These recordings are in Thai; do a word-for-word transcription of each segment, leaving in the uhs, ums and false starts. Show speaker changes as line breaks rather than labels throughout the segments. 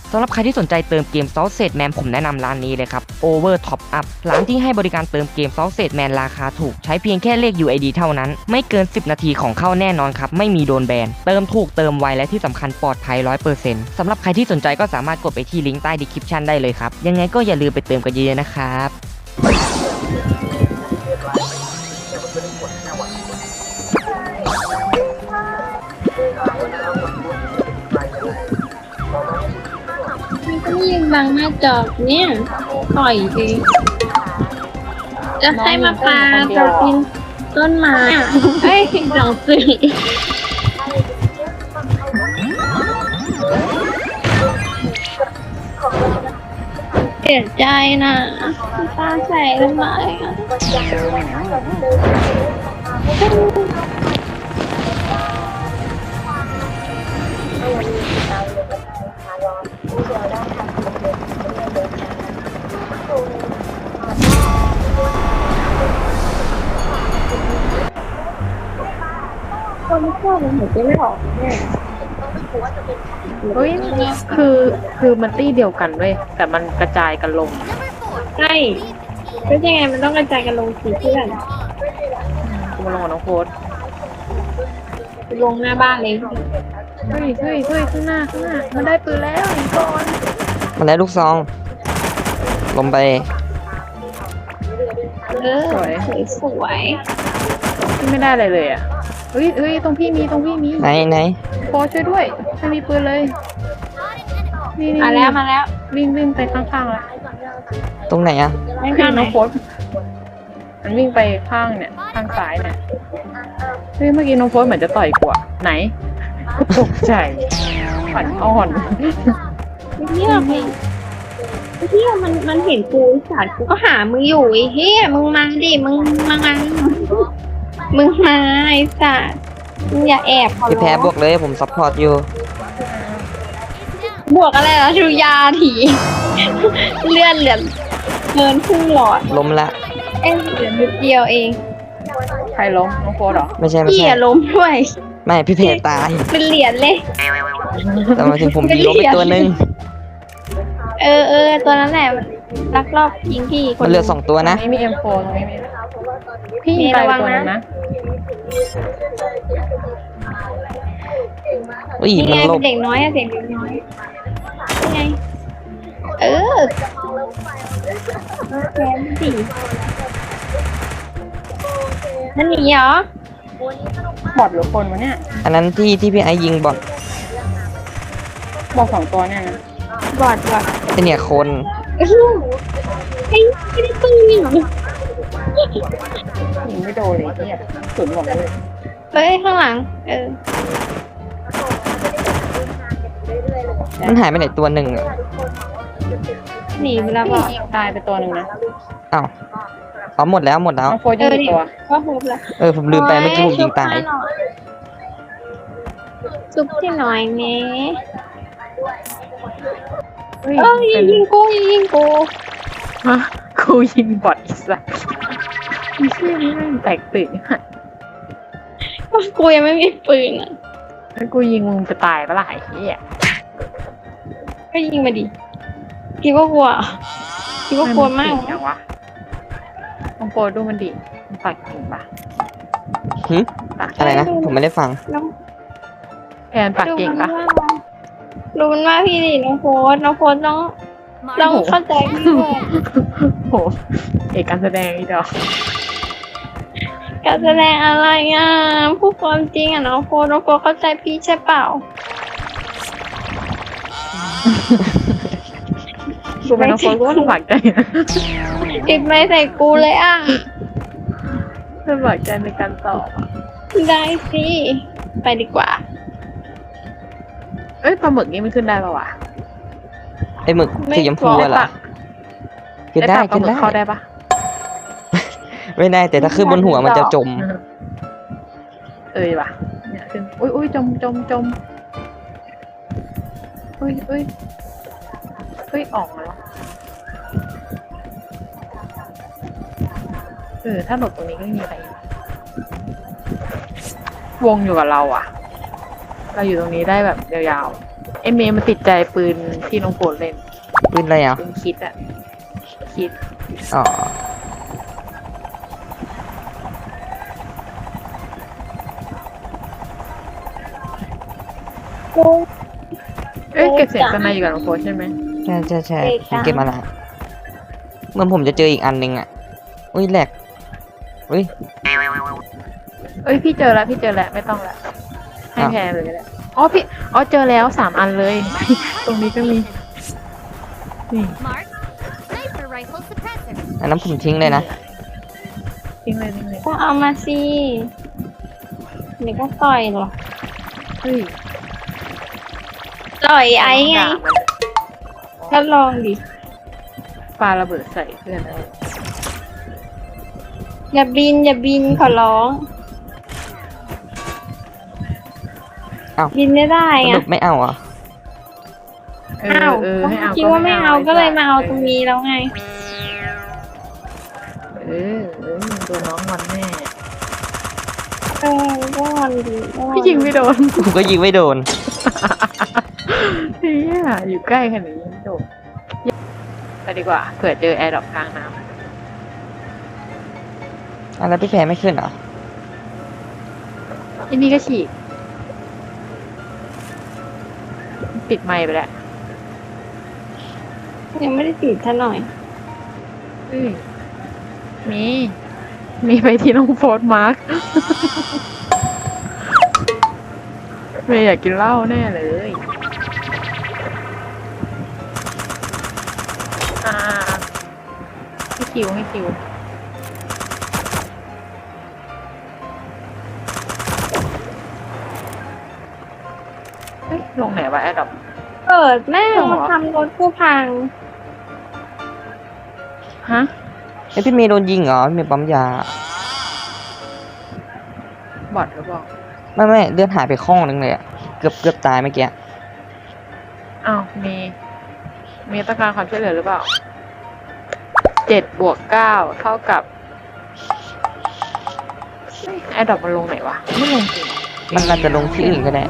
สำหรับใครที่สนใจเติมเกม Sausage Man ผมแนะนำร้านนี้เลยครับ Over Top Up ร้านที่ให้บริการเติมเกม Sausage Man ราคาถูกใช้เพียงแค่เลข ยู ไอ ดี เท่านั้นไม่เกินสิบนาทีของเข้าแน่นอนครับไม่มีโดนแบนเติมถูกเติมไวและที่สำคัญปลอดภัย ร้อยเปอร์เซ็นต์ สำหรับใครที่สนใจก็สามารถกดไปที่ลิงก์ใต้ description ได้เลยครับยังไงก็อย่าลืมไปเติมกันเยอะๆนะครับ
ก็ยืนบังหน้าจอเนี่ยปล่อยเองจะให้มาปลาจะกินต้นไม้อ่ะเฮ้ยหนังสือเสียใจนะตาใส่ทำไมอ่ะคนชอบมันหัวใจไม่ออกเนี่ย
เฮ้ยคือคือมันตี้เดียวกันเว้ยแต่มันกระจายกันลง
ใช่ก็ยังไงมันต้องกระจายกันลงสีเพื่อน
กูมาลงกับน้องโค้ด
ลงหน้าบ้านเลย
เฮ้ยเฮ้ยเฮ้ยข้างหน้าข้างหน้ามันได้ปืนแล้วอีกก่อน
มาแล้วลูกซองลงไป
เออสวยสวย
ที่ไม่ได้อะไรเลยอ่ะเฮ้ยเฮ้ยตรงพี่มีตรงพี่มี
ไหนไหน
โค้ดช่วยด้วยไม่มีปืนเลยนี่นี่
มาแล้วมาแล้ว
วิ่งวิ่งไปข้างๆแล้ว
ตรงไหนอะ
ไม่ข้างน้องโค้ดมันวิ่งไปข้างเนี่ยข้างซ้ายเนี่ยเฮ้ยเมื่อกี้น้องโค้ดเหมือนจะต่อยกว่าไหนตกใจฝันอ่อน
เฮียมึงเฮียมันมันเห็นกูสัตว์กูก็หามึงอยู่ไอ้เฮียมึงมาดิมึงมามึงมาไอ้สัตว์มึงอย่าแอบขอ
พี่
ร้
แพ้
อง
บวกเลยผมซัพพอร์ตอยู่
บวกอะไรแล้วชูยาถีเลื่อนเหลือเกินครึ่งหลอด
ล้มละ
เอ้ยเหลือนิดเดียวเอง
ใครล้มน้องโค้ดเหรอ
ไม่ใช่ไม่
พี่
ใช่
อย่าล้มด้วย
ไม่พี่เพตาย
เป็นเหรียญเลย
แต่มาถึงผมยิงล้มไปตัวหนึง
เออเออตัวนั้นแหละลักลอบยิงพี่ค
มันเหลือสองตัว
ตร
นะ
งนี้มี เอ็ม โฟร์ ตรงนี้มีพี่
มี
ยิงไประ
วัง
ตัว
นะ
นึงนะ
อุ้ย
นี่
มั
ไง
นหล
เป็
บ
นเด็กน้อยอะเด็กเด็กน้อยนี่ไงเออแกนสินั่นหนีเหรอบ
อดหรือคนวะเนี่ย
อันนั้นที่ที่พี่ไอยิงบอล
บอกสองตัวเนี่ยนะ
บอดบอด
ไอเนี่ยคน
ไอ้ไม่ได้ปืนนี่หรอ
ยิงไม่โดนเลยเนี่ยสุดหมดเลย
เฮ้ยข้างหลังเออ
มันหายไปไหนตัวหนึ่งอะ
หนีไปแล้ว
พี่
บอก
ยิงตายไปตัวหนึ่งนะ
อ้าวอ๋อหมดแล้วหมดแล้ว
น้องโค้ดยิงกี่ตัว
ก็ฮุบแล้ว
เออผมลืมไปเมื่อกี้ผมยิงตาย
ซุปที่หน่อยแม่
เฮ้ย
เอ้ย
เป็น
ยิงกูยิงกู
ฮะกูยิงบอดอีกสักอีเชี่ยนี่แม่งแตกตื่นฮะ
กูยังไม่มีปืนอ่ะ
แล้วกูยิงมึงจะตายปะล่ะไอ้เหี้ย
ก็ยิงมาดิคิดว่ากลัวคิดว่ากลัวมาก
ไนเก่งจังวะน้องโค้ดดูมันดิมันปากเก่งปะ
หึอะไรนะผมไม่ได้ฟัง
น้อง
แอนปากเก่งปะ
รู้มันว่าพี่ดิน้องโฟสน้องโฟสต้องต้องเข้าใจพี่ด้วย
โหเอกการแสดงอีดอก
การแสดงอะไรอ่ะพูดความจริงอ่ะน้องโฟสน้องโฟสเข้าใจพี่ใช่เปล่า
กูเป็นน้องโค้ดกูก็ลำบากใจนะ
ติดไม่ใส่กูเลยอ่ะ
ลำบากใจในการตอบอะ
ได้สิไปดีกว่า
เอ้ยปลาหมึกนี่มันขึ้นได้ปะวะ
ไอหมึกสีชมพูอะเหรอขึ้นได้
ปลาห
ขึ้น
มึก
ได้
เข้าได้ปะ
ไม่ได้แต่ถ้าขึ้นบนหัวมันจะจม
เอ้ยว่ะเนี่ยขึ้นอุ้ยอุ้ยจมจมจมอุ้ยอุ้ยอุ้ยออกมาแล้วเออถ้าหลบตรงนี้ก็ไม่มีอะไรวงอยู่กับเราอ่ะ เราอยู่ตรงนี้ได้แบบยาวๆ เอเมย์มันติดใจปืนที่น้องโปรดเล่น
ปืนอะไรอ่ะ
ปืนคิดอะคิด
อ๋อ
กู
เอ้ยเก็บเสียงกันในอยู่กับน้องโปรดใช่ไหม
ใช่ใช่ใช่
เอก
ผม
จ้ะ
เก็บมาละเหมือนผมจะเจออีกอันหนึงอ่ะอุ้ยแหลกอุ้ย
เอ้ยพี่เจอแล้วพี่เจอแล้วไม่ต้องละให้
อ้าว
แพรเลยก็ได้อ๋อพี่อ๋อเจอแล้วสามอันเลย ตรงนี้ก็มีนี่
Mark, sniper rifle suppressor.
อันนั้นผมทิ้งเลยนะ
ทิ้งเลยทิ้งเลย
ก็เอามาสิเดี๋ยวก็ต่อยหรอก
เฮ้ย
ต่อยไอ้ไง
ด่ามัน
ก็ลองดิ
ปาระเบิดใส่เพื่อนได้
อย่าบินอย่าบินขอร้อง
อ้าว
บินไม่ได้
ส
ไง
รุปไม่เอาอ่ะ
เอ
อ้า
อ
ว
เออให้เอา
คิดว่าไม่เอาก็เลยมาเอาตรง
นี้
นี้แล้วไง
เออเออตัวน้องมันแน่
เออก็งอนดีก็งอน
พี่ยิงไม่โดน
ผมก็ยิงไม่โดน
เฮียอยู่ใกล้ขนาดนี้ไม่โดนไปดีกว่าเผื่อเจอแอร์ดรอปกลางน้
อ่ะแล้วพี่แพรไม่ขึ้นเหรอ
ำอันนี้ก็ฉีกปิดไมค์ไปแล้ว
ยังไม่ได้ติดท่าหน่อย
เอ้ยมี มีไปที่น้องโฟร์มาร์ค เมย์อยากกินเหล้าแน่เลย อ่าให้คิวให้คิว เฮ้ย ลงไหนวะแอดดอป
เปิดแม่ง
หรอ
มาทำรถกูพัง
ฮะ
ไอยพี่เมย์โดนยิงเหรอพี่เมย์ปั๊มยา
บอทหรือเปล่า
ไม่ไม่เลือดหายไปข้องนึงเลยอ่ะ เกือบเกือบตายเมื่อกี้
อ้าว มี มีต้องการความช่วยเหลือหรือเปล่า เจ็ดบวกเก้าเท่ากับแอดดอปมันลงไหนวะ ไม่ลงจริง
มันอาจจะลงที่อื่นก็ได้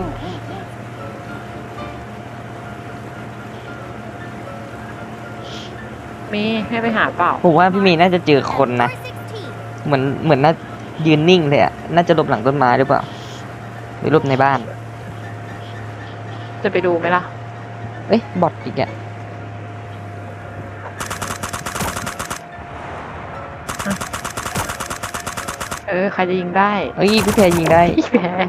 มีให้ไปหาเปล่า
ผมว่าพี่เมย์น่าจะเจอคนนะ
four sixteen.
เหมือนเหมือนน่ายืนนิ่งเลยอ่ะ น่าจะหลบหลังต้นไม้หรือเปล่า หรือหลบในบ้าน
จะไปดูไหมล่ะ
เอ้ยบอทอีกอ่ะ
เออ ใครจะยิงได้
เอ้ยพี่แพรยิงได้
พี่แพ้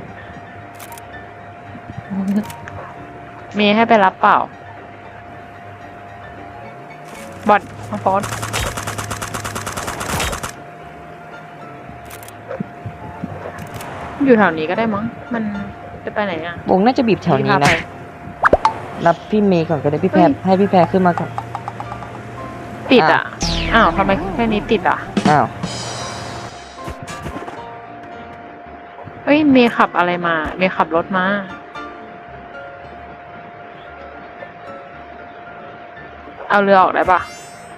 มีให้ไปรับเปล่า บอดมาฟอสอยู่แถวนี้ก็ได้มั้ง มันจะไปไหนอ่ะ
วงน่าจะบีบแถวนี้
พี่พาไป
นะ รับพี่เมย์ก่อนก็ได้พี่แพร
เฮ้ย
ให้พี่แพรขึ้นมาก่อน
ติดอ่ะ อ้าวทำไมแค่นี้ติดอ่ะ
อ้าว
เฮ้ย เมย์ขับอะไรมา เมย์ขับรถมา เอาเรือออกได้ปะ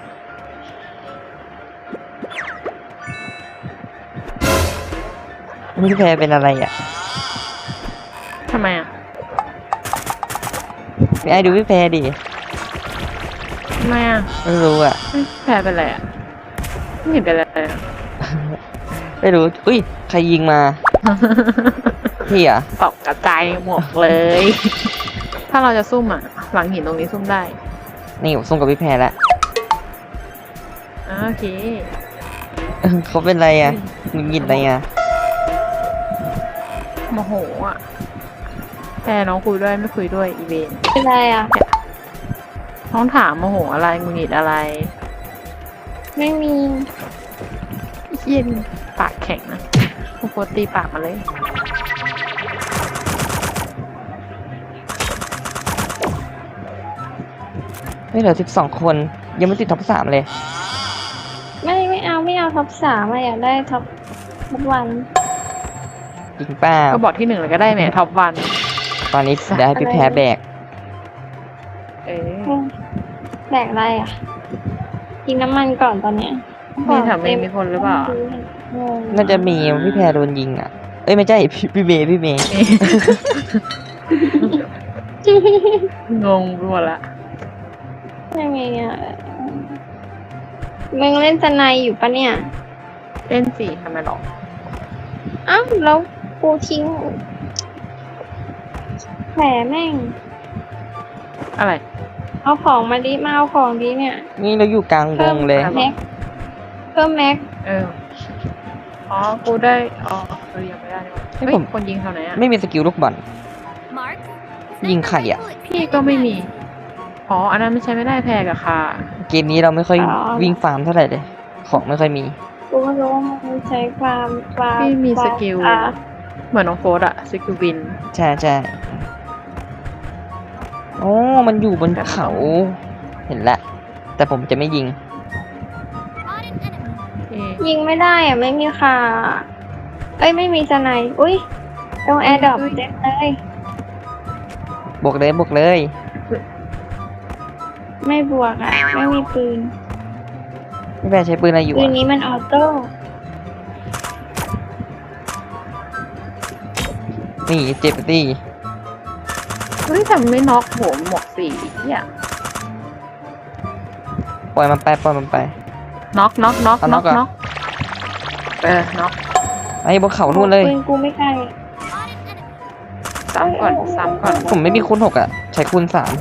พี่แพรเป็นอะไรอ่ะ
ทำไมอ่ะ
ไม่ไอ้ดูพี่แพรดิ
ทำไมอ่ะ
ไม่รู้อ่ะ
เฮ้ยแพ้เป็นไรอ่ะ ไม่เห็นเป็นไรเลยอะ
ไม่รู้ อุ้ย ใครยิงมาพี่อ่ะ
ตกกระจายหมดเลย ถ้าเราจะซุ่มอ่ะ หลังหินตรงนี้ซุ่มได้
นี่ผมส่งกับพี่แพรแล้ว
อ่าโอเค
เออเขาเป็นไรอ่ะหงุดหงิดอะไรอ่ะ
โมโหอ่ะแพ้น้องคุยด้วยไม่คุยด้วยอีเวนต์
เป็นไรอ่ะ
น้องถามโมโหอะไรงุนงิดอะไร
ไม่มี
เย็นปากแข็งนะโปรตีปากมาเลย
ไม่เหลือสิบสองคน ยังไม่ติดท็อปสามเลย
ไม่ไม่เอาไม่เอาท็อปสามอะอยากได้ท็อปท็อปวัน
จริงเปล่า
ก็บอกที่หนึ่งเลยก็ได้แหมท็อปวัน
ตอนนี้ได้พี่แพรแบก
เออ
แบกอะไรอ่ะ กินน้ำมันก่อนตอนเนี้ย
มีแถวเมย์มีคนหรือเปล่า
เออ
น่าจะมีพี่แพรโดนยิงอ่ะ เอ้ยไม่ใช่พี่พี่เมย์พี่เมย์
งงไปหมดละ
ยังไงอ่ะมึงเล่นสไนด์อยู่ปะเนี่ย
เล่นสี่ทำไมหรอ
อ้าวแล้วกูทิ้งแผลแม่ง
อะไร
เอาของมาดิมาเอาของดิเนี่ย
นี่เราอยู่กลางวงเลย
แม็กเพิ่มแม็ก
เออ อ๋อ กูได้ อ๋อเออยังไม่ได้นี่หว่า
ให้
เฮ้ย
ผม
คนยิงเท่าไหนอ่ะ
ไม่มีสกิลลูกบอล
Mark.
ยิงไข่อะ
พี่ก็ไม่มี อ๋อ อันนั้นไม่ใช้ไม่ได้แพงอะค่ะ
เกมนี้เราไม่ค่อยวิ่งฟาร์มเท่าไหร่เลย ของไม่ค่อยมี
กูไม่รู้ว่ามันใช้ความความ
พี่มี
ความ
สกิล
อ่ะ
เหมือนน้องโฟสอะสกิลบิน
ใช่ใช่โอ้มันอยู่บนเขา เห็นแล้ว แต่ผมจะไม่ยิง
Spot an enemy.
เอ๊ะ
ยิงไม่ได้อ่ะไม่มีค่ะเอ้ยไม่มีสไนด์อุ้ยตรงแอร์ดรอปเต็มเลย
บวกเลยบวกเลย
ไม่บวกอ่ะ ไม่มีปืน
พี่แพรใช้ปืนอะไรอยู่
ปืน
อะ
นี้มันออโต้
นี่เจ็บตี
เฮ้ยทำไม่น็อกโหมหมวกสีเนี่ย
ปล่อยมันไปปล่อยมันไป
น็อกน็อกน็อก
เอาน็
น็
อ
อก ก
อะ
น็อกเออน็อก
ไอ้บนเขานู่นเลย
ปืนกูไม่ใกล้
Spot an enemy.
ซ้ำก่อนซ้ำก่อน
ผมไม่มีคูณหกอ่ะ ใช้คูณสาม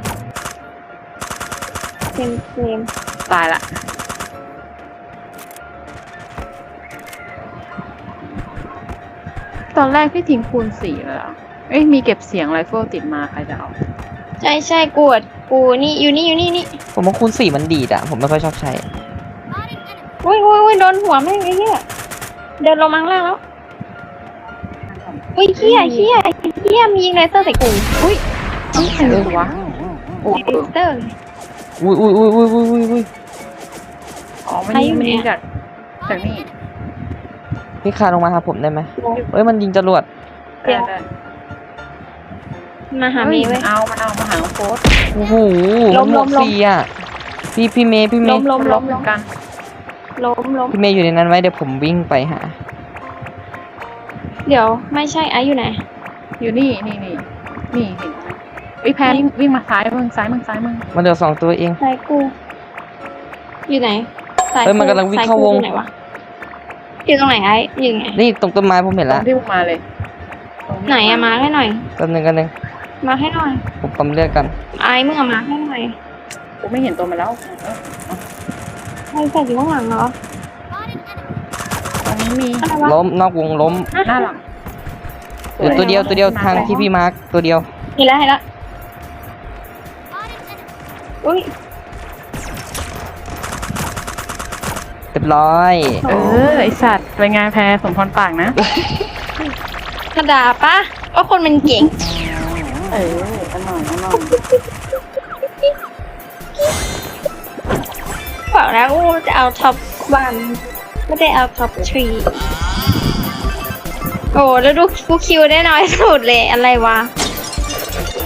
เต็มเต็ม
ตายละ ตอนแรกพี่ทิ้งคูณสี่เลยเหรอเอ้ยมีเก็บเสียงไรเฟิลติดมาใครจะเอา
ใช่ใช่กูอ่ะกูนี่อยู่นี่อยู่นี่นี่
ผมว่าคูณสี่มันดีดอ่ะ ผมไม่ค่อยชอบใช้
Spot an enemy.
อุ้ยอุ้ยอุ้ยโดนหัวแม่งไอ้เหี้ยเดินลงมาข้างล่างแล้วอุ้ยเหี้ยเหี้ยเหี้ยมียิงเลเซอร์ใส่กูอุ้ย
เอ้ยใครเลยวะโอ้
เลเซอร์
อุ้ยอุ้ยอุ้ยอุ้ยอุ้ยอุ้ยอุ้ย
อ๋อมัน
ใคร
ยิ
อง ยู่
มันยิง
เนี่ย
จากจากนี่
พี่คาลงมาหาผมได้ไหมเอ้ยมันยิงจรวด
ได้ได้
มาหา
เฮ้
มี
ย
ไว้
มันเอามันเอามาหาน้องโฟส
โอ้โห
ล้ม
หม
ล้
วก
มล้ม
สี่อ่ะ พี่พี่เมย์พี่เม
ล้
ย์
มล้ม
ล้
ล้
ม
ม
เหมื
ล้
อ
ม
นกัน
ล้มล้ม
พี่เมย์อยู่ในนั้นไว้เดี๋ยวผมวิ่งไปหา
เดี๋ยวไม่ใช่ไอซ์อยู่ไหน
อยู่นี่นี่นี่นี่เห็นไหมไอ้ยแพนวิ่งมาซ้ายมึงซ้ายมึงซ้ายมึง
มันเหลือสองตัวเอง
สายกู อยู่ไหนสาย
เฮ้ยมันกำลังวิ่งเข้าวง
สยกูอยู่ไหนวะอยู่ตรงไหนไอซ์อยู่ไหน
นี่ตรงต้นไม้ผมเห็น
ตร
แล้ว
งที่มึงมาเลยตรงที่
ไหนอะมาให้หน่อย
กันหนึ่งกันหนึ่ง
มาให้หน่อย
ผมปั๊มเลือดกัน
ไอซ์มึงอะมาให้หน่อย
กูไม่เห็นตัวมันแล้วเออ
ไอซ์ใส่อยู่ข้างหลังเหรอ
Spot an enemy.
ตรงนี้มี
อะไรวะ
ล้มนอกวงล้ม
หน้าหลัง
เหลือตัวเดียวตัวเดียวทางที่พี่มาร์คตัวเดียว
เห็นแล้วเห็นแล้ว
Spot an enemy.
อุ้ย
เรียบร้อย
เออไอสัตว์เป็นไงแพรสมพรปากนะ
กระดาษปะก็คนมันเก่ง
เอออร่อยอร่อย
บอกแล้วว่าจะเอาท็อปวันไม่ได้เอาท็อปทรีโอ้แล้วดูกูคิวได้น้อยสุดเลยอะไรวะ